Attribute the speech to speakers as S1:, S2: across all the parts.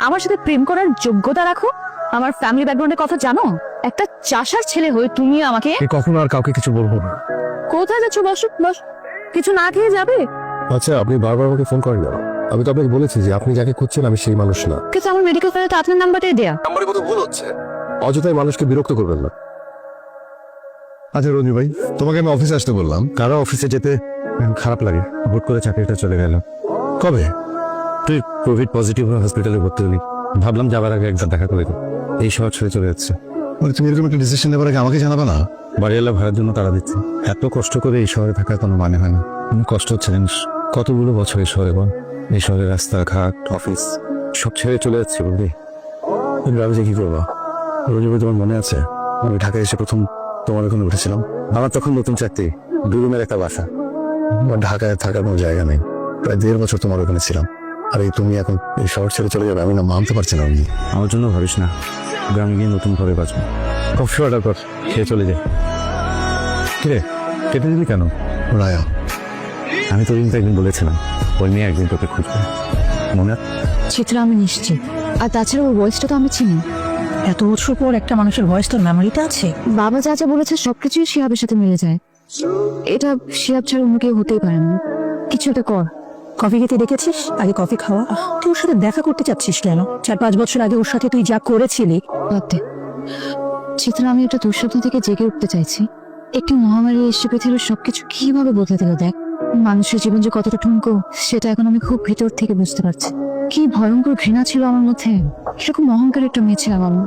S1: আমার সাথে প্রেম করার যোগ্যতা রাখো? আমার ফ্যামিলি ব্যাকগ্রাউন্ডের কথা জানো? একটা চাষার ছেলে হয়ে তুমি আমাকে
S2: কখনো আর কাউকে কিছু বলবো না।
S1: কোথায় যাচ্ছ? বসো বস। কিছু না খেয়ে যাবে?
S2: আচ্ছা, আপনি বারবার আমাকে ফোন করেন না। আমি তো আপনাকে বলেছি যে আপনি যাকে খুঁজছেন আমি সেই মানুষ না।
S1: কিন্তু আমার মেডিকেল ফাইলে তো আপনার নাম্বারটাই দেয়া।
S2: নাম্বারে কত ভুল হচ্ছে। অযথাই মানুষকে বিরক্ত করবেন না। আচ্ছা রঞ্জু ভাই, তোমাকে আমি অফিসে আসতে বললাম, কারো অফিসে যেতে খারাপ লাগে। হুট করে চাকরিটা চলে গেল। কবে? তুই কোভিড পজিটিভ হসপিটালে ভর্তি হলি, ভাবলাম যাবার আগে একবার দেখা করে দিই। এই শহর ছেড়ে চলে যাচ্ছে। তুমি এরকম একটা ডিসিশন নেবার আগে আমাকে জানাবে না? বাড়িওয়ালা ভাড়ার জন্য তারা দিচ্ছে। এত কষ্ট করে এই শহরে থাকার কোনো মানে হয় না। কষ্ট হচ্ছে জানিস, কতগুলো বছর এই শহরে বল। এই শহরের রাস্তাঘাট, অফিস সব ছেড়ে চলে যাচ্ছে বুঝলি। তুমি ভাবছি কি করবো? রঞ্জু ভাই, তোমার মনে আছে আমি ঢাকায় এসে প্রথম তোমার ওখানে উঠেছিলাম? আমার তখন নতুন চাকরি, 2 রুমের একটা বাসা। আমার ঢাকায় থাকার কোনো জায়গা নেই। প্রায় 1.5 বছর তোমার ওখানে ছিলাম। আর এই তুমি এখন এই শহর ছেড়ে চলে যাবে, আমি না মানতে পারছি না। আমার জন্য ভাবিস না, গ্রামে গিয়ে নতুন ঘরে বাঁচবো। কফি অর্ডার কর, খেয়ে চলে যাই। কিরে কেটে দিলি কেন? রায়া, আমি তো কিন্তু একদিন বলেছিলাম ওই মেয়ে একদিন তোকে খুঁজবে, মনে আছে?
S1: চিত্রা আমি নিশ্চিত। আর তাছাড়া ওর ভয়েসটা তো আমি চিনি।
S3: এত বছর পর একটা মানুষের ভয়েস তোর মেমোরিতে আছে?
S1: বাবা যা যা বলেছে সবকিছুই শিহাবের সাথে মিলে যায়। এটা শিহাব ছাড়া অন্য কেউ হতেই পারে না। কিছু একটা কর।
S3: কফি খেতে ডেকেছিস, আগে কফি খাওয়া। তুই ওর সাথে দেখা করতে চাচ্ছিস কেন? 4-5 বছর আগে ওর সাথে তুই যা করেছিলি।
S1: বাদ দে। চিত্রা, আমি একটা দুঃস্বপ্ন থেকে জেগে উঠতে চাইছি। একটি মহামারী এসে পৃথিবীর সবকিছু কিভাবে বদলে দিল দেখ। মানুষের জীবন যে কতটা ঠুনকো সেটা এখন আমি খুব ভিতর থেকে বুঝতে পারছি। কি ভয়ঙ্কর ঘৃণা ছিল আমার মধ্যে। কিরকম অহংকার একটা মেয়ে ছিলাম আমি।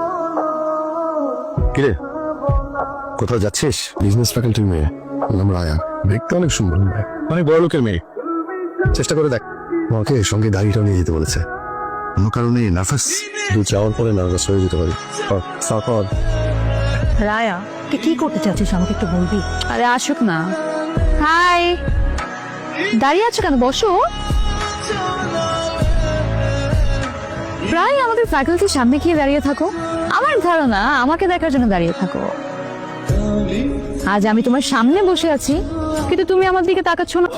S2: কিরে কোথাও যাচ্ছিস? বিজনেস ফ্যাকাল্টির মেয়ে, নাম রায়া। দেখতে অনেক সুন্দর, অনেক বড় লোকের মেয়ে। চেষ্টা করে দেখ। আমাকে সঙ্গে গাড়িটাও নিয়ে যেতে বলেছে। কোনো কারণে নার্ভাস, তুই যাওয়ার পরে নার্ভাস হয়ে যেতে পারি। তারপর
S3: রায়া, তুই কি করতে চাচ্ছিস আমাকে একটু বলবি?
S1: আরে আসুক না। হাই, দাঁড়িয়ে আছো কেন? বসো। প্রায় আমাদের ফ্যাকাল্টির সামনে গিয়ে দাঁড়িয়ে থাকো। আমার ধারণা আমাকে দেখার জন্য দাঁড়িয়ে থাকো। আজ আমি তোমার সামনে বসে আছি কিন্তু তুমি আমার দিকে তাকাচ্ছ না।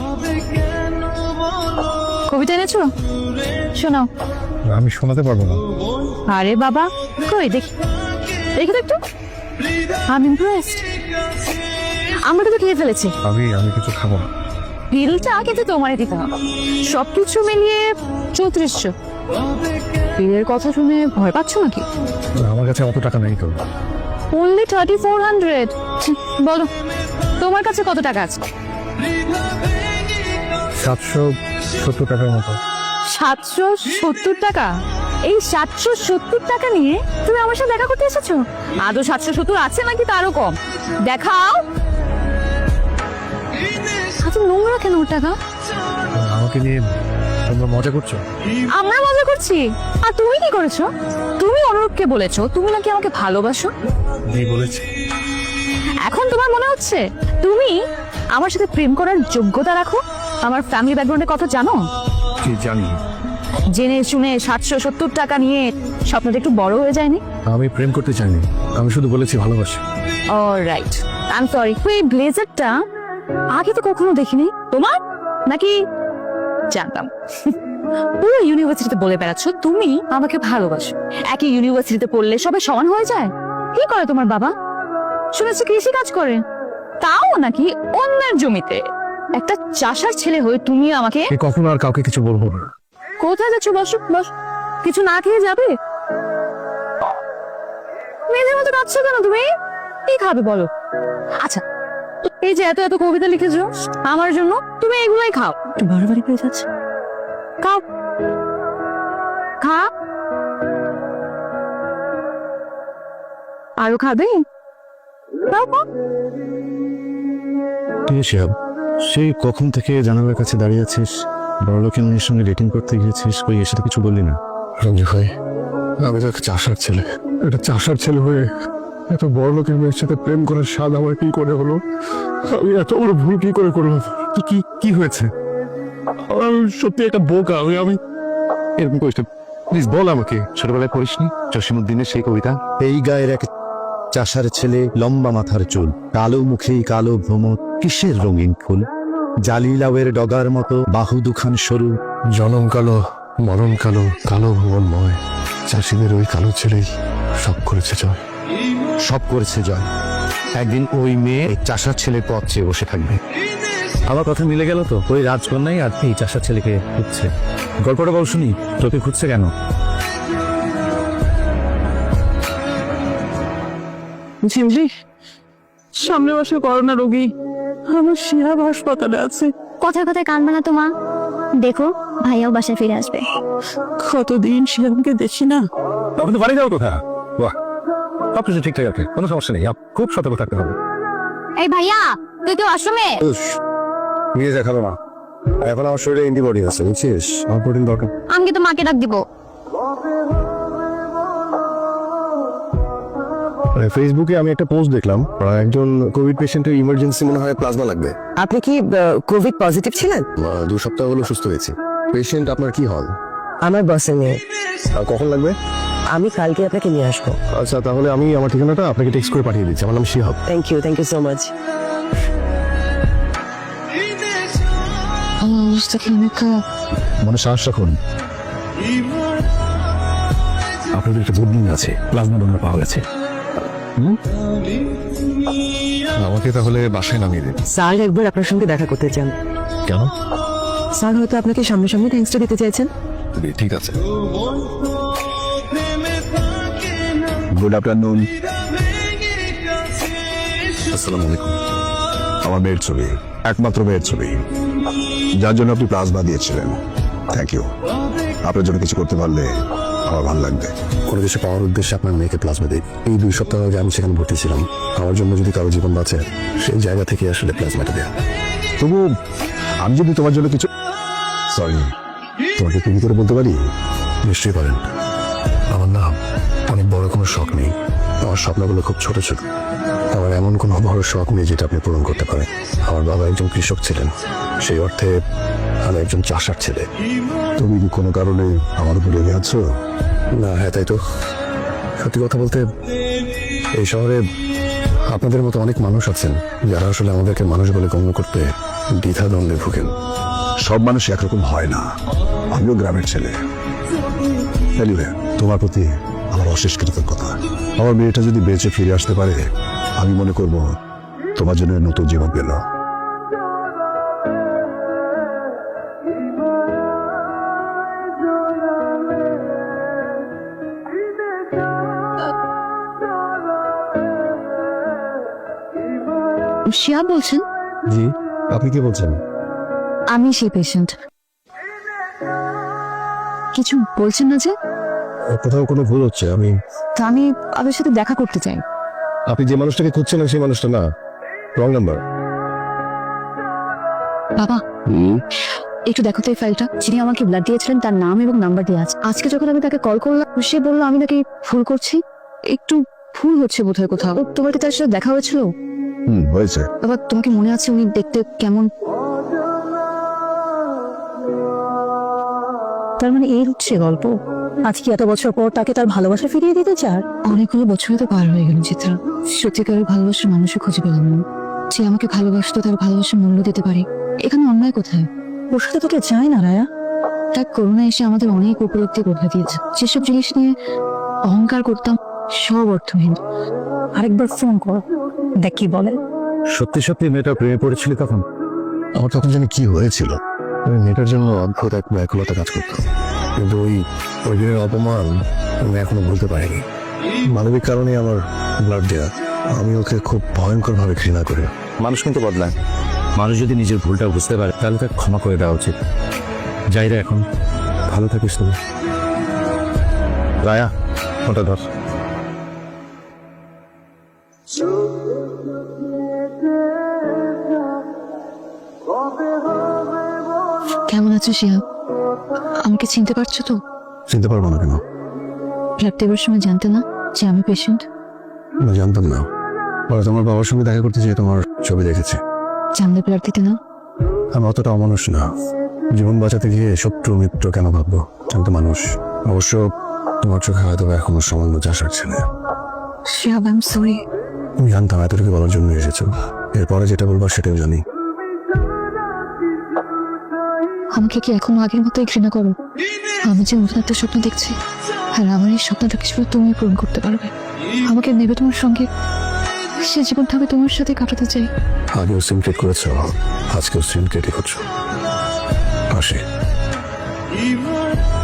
S1: কবিতা এনেছো? শোনাও।
S2: আমি শোনাতে পারবো না।
S1: আরে বাবা, কই দেখি দেখি তো একটু। আমি ইমপ্রেসড। আমরা কিন্তু খেয়ে ফেলেছি।
S2: আমি কিছু খাবো না।
S1: বিলটা কিন্তু তোমারই দিতে হবে। সবকিছু মিলিয়ে 3400। বিলের কথা শুনে ভয় পাচ্ছ নাকি?
S2: আমার কাছে অত টাকা নেই তো।
S1: অনলি 3400। বলো তোমার কাছে কত টাকা আছে?
S2: 770 টাকার মতো।
S1: 770 টাকা? এই 770 টাকা নিয়ে তুমি আমার সাথে দেখা করতে এসেছো? আদৌ 770 আছে নাকি তারও কম? দেখাও। আচ্ছা, নোংরা কেন ওর টাকা?
S2: আমাকে নিয়ে তোমরা মজা করছো?
S1: আমরা মজা করছি? আর তুমি কি করেছো? তুমি অনুরূপকে বলেছো তুমি নাকি আমাকে ভালোবাসো।
S2: নেই বলেছি।
S1: এখন তোমার মনে হচ্ছে তুমি আমার সাথে প্রেম করার যোগ্যতা রাখো? আমার ফ্যামিলি ব্যাকগ্রাউন্ডের কথা জানো?
S2: কি জানি?
S1: জেনে শুনে 770 টাকা নিয়ে স্বপ্নটা একটু বড় হয়ে যায়নি?
S2: আমি প্রেম করতে চাইনি, আমি শুধু বলেছি ভালোবাসি।
S1: Alright, I am sorry. এই ব্লেজারটা আগে তো কখনো দেখিনি তোমার, নাকি জানতাম? পুরো ইউনিভার্সিটিতে বলে বেড়াচ্ছ তুমি আমাকে ভালোবাসো। একই ইউনিভার্সিটিতে পড়লে সবাই সমান হয়ে যায়? কি করে তোমার বাবা? শুনেছি কৃষি কাজ করে, তাও নাকি অন্যের জমিতে। একটা চাষার ছেলে হয়ে তুমি আমাকে
S2: কখনো আর কাউকে কিছু বলবো না।
S1: কোথায় যাচ্ছ? বসো বস। কিছু না খেয়ে যাবে? মেয়েদের মতো কাঁদছো কেন তুমি? কি খাবে বলো? আচ্ছা, এই যে এত এত কবিতা লিখেছো আমার জন্য, তুমি এগুলোই খাও।
S3: একটু বাড়াবাড়ি পেয়ে যাচ্ছে।
S1: খাও, খা। আরো খাবে? খাও, খাও।
S2: শিহাব, সেই কখন থেকে জানালার কাছে দাঁড়িয়ে আছিস? বড় লোকের মেয়ের সঙ্গে ডেটিং করতে গিয়েছিস, কই এসে তো কিছু বললি না? রঞ্জু ভাই, আমি তো একটা চাষার ছেলে। একটা চাষার ছেলে হয়ে এত বড় লোকের মেয়ের সাথে প্রেম করার স্বাদ আমার কি করে হলো? আমি এত বড় ভুল কি করে করলাম? কি কি হয়েছে? আমি সত্যি একটা বোকা। আমি এরকম করিস না, প্লিজ বল আমাকে। ছোটবেলায় পড়িসনি জসিমউদ্দিনের সেই কবিতা?
S4: এই গায়ের এক চাষার ছেলে, লম্বা মাথার চুল, কালো মুখে কালো ভ্রমর, কিসের রঙিন ফুল, জালি লাউয়ের ডগার মতো বাহু দুখান সরু,
S2: জনম কালো মরণ কালো কালো ভুবনময়, চাষিদের ওই কালো ছেলেই সব করেছে জয়।
S4: সব করেছে জয়। একদিন ওই মেয়ে এই চাষার ছেলের পথ চেয়ে বসে থাকবে।
S5: আমার কথা মিলে গেল তো, ওই রাজকন্যাই আর এই চাষার ছেলেকে খুঁজছে। গল্পটা বল শুনি, তোকে খুঁজছে কেন?
S3: ঝিমঝি, সামনে মাসে করোনা রোগী আমার শিহাব হাসপাতালে আছে।
S6: কথায় কথায় কান বানা তো মা, দেখো ভাইয়াও বাসায় ফিরে আসবে।
S3: কতদিন শিহাবকে দেখি না।
S5: তখন তো বাড়ি যাও কোথা? বাহ, সব কিছু ঠিকঠাক আছে, কোনো সমস্যা নেই। খুব সতর্ক থাকতে হবে।
S6: এই ভাইয়া, তুই তো আশ্রমে।
S2: নিয়ে দেখালো না, এখন আমার শরীরে অ্যান্টিবডি আছে, বুঝছিস? আমার প্রোটিন দরকার।
S6: আমি তো মাকে ডাক দিব।
S2: ফেসবুকে আমি একটা পোস্ট দেখলাম, একজন কোভিড পেশেন্টের ইমার্জেন্সি মনে হয় প্লাজমা লাগবে।
S3: আপনি কি কোভিড পজিটিভ ছিলেন?
S2: 2 সপ্তাহ হলো সুস্থ হয়েছি। পেশেন্ট আপনার কি হল?
S3: আমার বসের মেয়ে।
S2: কখন লাগবে?
S3: আমি কালকে আপনাকে নিয়ে আসবো।
S2: আচ্ছা, তাহলে আমি আমার ঠিকানাটা আপনাকে টেক্সট করে পাঠিয়ে দিচ্ছি। আমার নাম Shihab.
S3: Thank you so much.
S5: মনে সাহস রাখুন, আপনাদের একটা গুড নিউজ আছে, প্লাজমা ডোনার পাওয়া গেছে।
S2: আমাকে তাহলে বাসায় নামিয়ে দিন।
S3: স্যার একবার আপনার সঙ্গে দেখা করতে চান।
S5: কেন?
S3: স্যার হয়তো আপনাকে সামনাসামনি থ্যাঙ্কসটা দিতে চাইছেন।
S2: ঠিক আছে।
S4: Good afternoon.
S2: আসসালামু আলাইকুম। আমার মেয়ের ছবি, একমাত্র মেয়ের ছবি, যার জন্য আপনি প্লাজমা দিয়েছিলেন। Thank you. আপনার জন্য কিছু করতে পারলে আমার ভালো লাগবে। কোনো কিছু পাওয়ার উদ্দেশ্যে আপনার মেয়েকে প্লাজমা দিই। এই 2 সপ্তাহ আগে আমি সেখানে ভর্তি ছিলাম। আমার জন্য যদি কারো জীবন বাঁচে, সেই জায়গা থেকে আসলে প্লাজমাটা দেয়া। তবু আমি যদি তোমার জন্য কিছু, সরি, তোমাকে তুমি করে বলতে পারি? নিশ্চয়ই পারেন। আমার না অনেক বড় কোনো শখ নেই, আমার স্বপ্নগুলো খুব ছোট ছোট। আমার এমন কোনো বড় শখ নেই যেটা আপনি পূরণ করতে পারেন। আমার বাবা একজন কৃষক ছিলেন, সেই অর্থে আমি একজন চাষার ছেলে। তুমি কি কোনো কারণে আমার উপরে রেগে আছো? না। হ্যাঁ, তাই তো। সত্যি কথা বলতে, এই শহরে আপনাদের মতো অনেক মানুষ আছেন যারা আসলে আমাদেরকে মানুষ বলে গণ্য করতে দ্বিধাদ্বন্দ্বে ভুগেন। সব মানুষ একরকম হয় না। আমিও গ্রামের ছেলে। Anyway, তোমার প্রতি আমার অশেষ কৃতজ্ঞতা। আমার মেয়েটা যদি বেঁচে ফিরে আসতে পারে, আমি মনে করব তোমার জন্য নতুন জীবন পেল।
S1: শিয়া বলছেন?
S2: জি, আপনি কি বলছেন?
S1: আমি সেই পেশেন্ট। কিছু বলছেন না যে?
S2: কোথাও কোনো ভুল হচ্ছে।
S1: আমি আপনার সাথে দেখা করতে চাই।
S2: আপনি যে মানুষটাকে খুঁজছেন সেই মানুষটা না, রং নাম্বার।
S1: বাবা, একটু দেখো তো এই ফাইলটা। যিনি আমাকে ব্লাড দিয়েছিলেন তার নাম এবং নাম্বার দেওয়া আছে। আজকে যখন আমি তাকে কল করলাম, সে বললো আমি নাকি ভুল করছি। একটু ভুল হচ্ছে বোধহয় কোথাও। তোমার কি তার সাথে দেখা হয়েছিল?
S2: হয়েছে।
S1: বাবা, তোমাকে মনে আছে উনি দেখতে কেমন?
S3: তার মানে এই হচ্ছে গল্প। আজকে এত বছর পর তাকে তার ভালোবাসা ফিরিয়ে দিতে চার?
S1: অনেকগুলো বছরই তো পার হয়ে গেল চিত্রা। সত্যিকারের ভালোবাসার মানুষও খুঁজে পেলাম না। যে আমাকে ভালোবাসতো তার ভালোবাসার মূল্য দিতে পারে। এখানে অন্যায় কোথায়?
S3: ওর সাথে তোকে চায় না রায়া।
S1: তার করোনা এসে আমাদের অনেক উপলব্ধি করে দিয়েছে। যেসব জিনিস নিয়ে অহংকার করতাম সব অর্থহীন।
S3: আরেকবার ফোন কর, দেখ কি বলে।
S5: সত্যি সত্যি মেয়েটা প্রেমে পড়েছিল তখন?
S2: আমার তখন জানি কি হয়েছিল। মেয়েটার জন্য অদ্ভুত এক ব্যাকুলতা কাজ করতো, কিন্তু ওই দিনের অপমান আমি এখনো ভুলতে পারিনি। মানবিক কারণে আমার ব্লাড দেয়া। আমি ওকে খুব ভয়ঙ্কর ভাবে ঘৃণা করি।
S5: মানুষ কিন্তু বদলায়। মানুষ যদি নিজের ভুলটা বুঝতে পারে তাহলে তাকে ক্ষমা করে দেওয়া উচিত। যাই রে, এখন ভালো থাকিস তুমি।
S2: রায়া, ওটা ধর।
S1: কেমন আছো শিয়া? আমাকে চিনতে পারছো তো?
S2: চিনতে পারবো না কেন?
S1: ব্লাড দেওয়ার সময় জানতে না যে আমি পেশেন্ট?
S2: না, জানতাম না। পরে তোমার বাবার সঙ্গে দেখা করতে যেয়ে তোমার ছবি দেখেছি।
S1: জানলে ব্লাড দিতে না?
S2: আমি অতটা অমানুষ না। জীবন বাঁচাতে গিয়ে শত্রু মিত্র কেন ভাববো? আমি তো মানুষ। অবশ্য তোমার চোখে হয়তো এখনো সামান্য চাষার ছেলে।
S1: Shihab, I am sorry.
S2: আমি জানতাম এতটুকু বলার জন্য এসেছো। এরপরে যেটা বলবার সেটাও জানি।
S1: আমাকে কি এখনো আগের মতোই ঘৃণা করো? আমি যে নতুন একটা স্বপ্ন দেখছি, আর আমার এই স্বপ্নটাকে শুধু তুমি পূরণ করতে পারবে। আমাকে নেবে তোমার সঙ্গে, সে জীবনটা আমি তোমার সাথে কাটাতে চাই।
S2: আগেও সিনক্রেট করেছো, আজকেও সিনক্রেটই করছো। আসি।